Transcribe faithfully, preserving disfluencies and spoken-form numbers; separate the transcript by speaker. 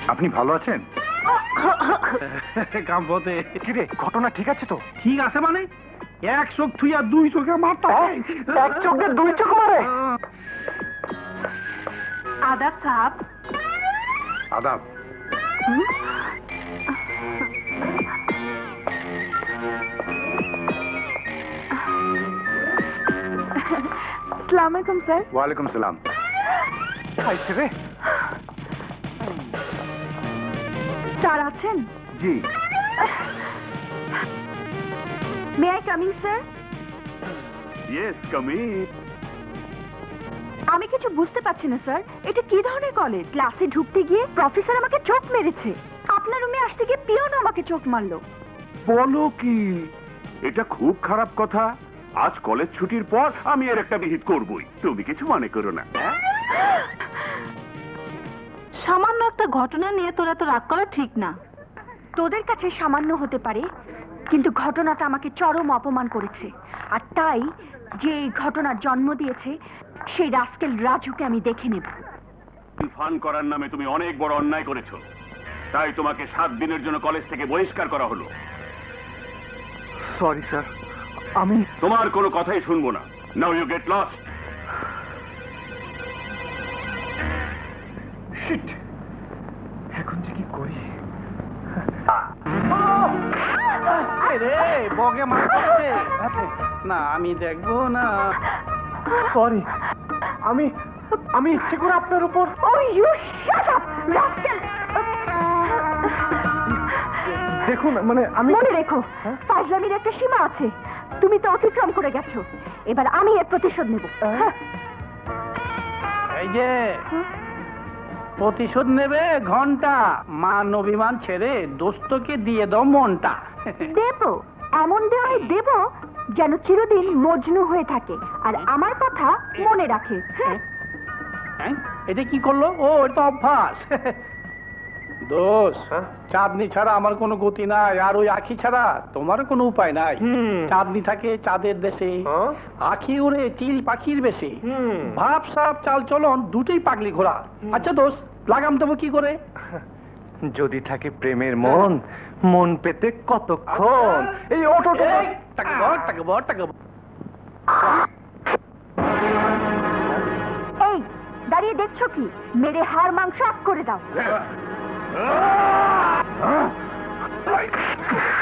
Speaker 1: আপনি ভালো আছেন?
Speaker 2: কাম্পতে
Speaker 1: কিরে, ঘটনা ঠিক আছে তো?
Speaker 2: ঠিক আছে মানে এক চোখ থুইয়া দুই চোখে মারতে হয়।
Speaker 1: এক চোখে দুই চোখ মারে?
Speaker 3: आदाब साहब।
Speaker 1: আদাব।
Speaker 3: अस्सलाम वालेकुम सर।
Speaker 1: ওয়ালাইকুম সালাম। আইছে রে।
Speaker 3: স্যার আছেন?
Speaker 1: জি।
Speaker 3: May I coming sir?
Speaker 1: Yes, come in.
Speaker 3: আমি কিছু বুঝতে পারছি না স্যার, এটা কি ধরনের কলেজ? ক্লাসে ঢুকতে গিয়ে প্রফেসর আমাকে চোখ মেরেছে, আপনার রুমে আসতে গিয়ে পিয়ন আমাকে চোখ মারলো।
Speaker 4: বলো কি, এটা খুব খারাপ কথা। আজ কলেজ ছুটির পর আমি এর একটা বিহিত করবই, তুমি কিছু মনে করো না।
Speaker 3: সামান্য একটা ঘটনা নিয়ে তোরা তো রাগ করা ঠিক না। তোদের কাছে সামান্য হতে পারে, কিন্তু ঘটনাটা আমাকে চরম অপমান করেছে। আর তাই যে এই ঘটনার জন্ম দিয়েছে সেই রাস্কেল রাজুকে আমি দেখে নেব।
Speaker 4: ফান করার নামে তুমি অনেক বড় অন্যায় করেছো, তাই তোমাকে সাত দিনের জন্য কলেজ থেকে বহিষ্কার করা হলো।
Speaker 1: সরি স্যার, আমি
Speaker 4: তোমার কোনো কথাই শুনবো না। Now you get lost.
Speaker 1: Shit, এখন যে কি করি?
Speaker 2: রে বগে মারছে না, আমি দেখবো না।
Speaker 1: সরি, আমি আমি ইচ্ছে করে আপনার উপর।
Speaker 3: Oh, you shut up, rascal!
Speaker 1: দেখুন, মানে আমি
Speaker 3: মনে রেখো, ফাজলামির একটা সীমা আছে। তুমি তো অতিক্রম করে গেছো, এবার আমি এর প্রতিশোধ নেব।
Speaker 2: এই যে প্রতিশোধ নেবে ঘন্টা, মান অভিমান ছেড়ে দোস্তকে দিয়ে দাও মনটা।
Speaker 3: দেব, এমন দেওয়াই দেব যেন চিরদিন মজনু হয়ে থাকে আর আমার কথা মনে রাখে। হ্যাঁ,
Speaker 2: হ্যাঁ, এটা কি করলো? ও এটা অভ্যাস। দোষ, চাঁদনি ছাড়া আমার কোনো গতি নাই, আর ওই আখি ছাড়া তোমার কোনো উপায় নাই। চাঁদনি থাকে চাঁদের দেশে, আখি উড়ে চিল পাখির বেশে, ভাব সাপ চাল চলন দুটোই পাগলি ঘোড়া। আচ্ছা দোষ, লাগাম দেবো কি করে?
Speaker 1: যদি থাকে প্রেমের মন, মন পেতে কতক্ষণ। এই ওটো
Speaker 2: এই, টাকা বর, টাকা বর, টাকা বর।
Speaker 3: এই দাঁড়িয়ে দেখছো কি? মেরে হাড় মাংস আপ করে দাও।